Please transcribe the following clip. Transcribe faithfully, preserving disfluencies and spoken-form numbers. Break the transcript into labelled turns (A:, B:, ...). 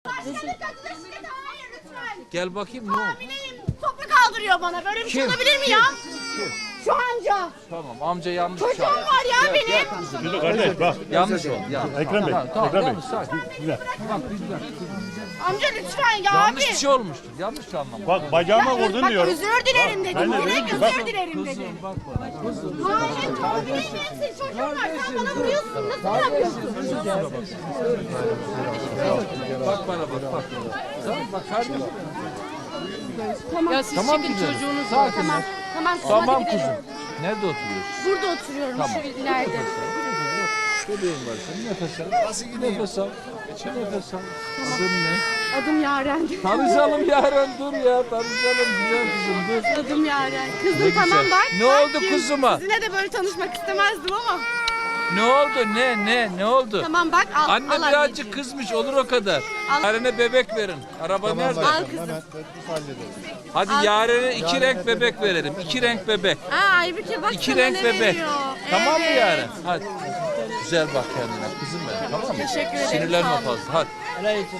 A: Başkanım kadına şiddet hayır lütfen.
B: Gel bakayım ne oldu?
A: Hamileyim. Toprak kaldırıyor bana. Böyle bir şey
B: Kim?
A: olabilir mi ya? Şu amca.
B: Tamam amca yanlış
A: Çocuğum
B: çağırdı.
A: var ya
B: Gel,
A: benim.
B: gel.
C: Dur kardeş bak.
B: Yanlış oldu. Ya.
C: Ekrem Bey,
B: Tamam, tamam,
C: Ekrem Bey.
B: yanlış, sakin.
C: Güzel.
B: Bak güzel.
A: Amca lütfen ya
B: Yanlış
A: abi.
B: bir şey olmuştur. Yanlış anlamadım.
C: Bak bacağıma
A: Ya,
C: vurdun
A: bak,
C: diyorum.
A: özür dilerim dedim.
C: ben de
A: Direkt
C: dedim ki,
A: özür
C: bak-
A: dilerim dedim.
B: Kızım bak bana. Kızım.
A: Hayır, hamileyim ben senin çocuğun var. Sen bana vuruyorsun. Nasıl yapıyorsun?
B: Bak bana bak bak. Tamam bak kardeşim.
D: Ya siz
B: Tamam
D: çekin
B: güzelim.
D: çocuğunuz.
B: Sakin.
A: Tamam. Tamam.
B: Tamam
A: hadi gidelim.
B: kuzum. Nerede oturuyorsun?
A: Burada oturuyorum şu ileride.
B: Bebeğin var senin. Nefes al. Nasıl gideyim? Nefes al. Nefes al. Adın ne?
A: Adım Yaren.
B: Tanışalım Yaren dur ya. Tanışalım güzel kızım dur.
A: Adım Yaren.
B: Ne
A: Kızım tamam
B: güzel.
A: bak.
B: Ne
A: bak
B: oldu
A: ki
B: kuzuma?
A: Sizinle de böyle tanışmak istemezdim ama.
B: Ne oldu? Ne ne ne oldu?
A: Tamam bak al.
B: Anne
A: al
B: birazcık
A: anneciğim.
B: kızmış olur o kadar.
A: Al.
B: Yaren'e bebek verin. Araba nerede?
A: Al kızım.
B: Hadi
A: Al.
B: Yaren'e iki renk bebek verelim. İki renk bebek.
A: Aa Aybüke bak
B: İki
A: sana
B: renk
A: ne
B: bebek.
A: veriyor.
B: Tamam mı
A: Evet.
B: Yaren? Hadi. Güzel bak kendine kızım benim. Tamam mı?
A: Teşekkür ederim,
B: Sinirlenme
A: sağ olun.
B: fazla. Hadi.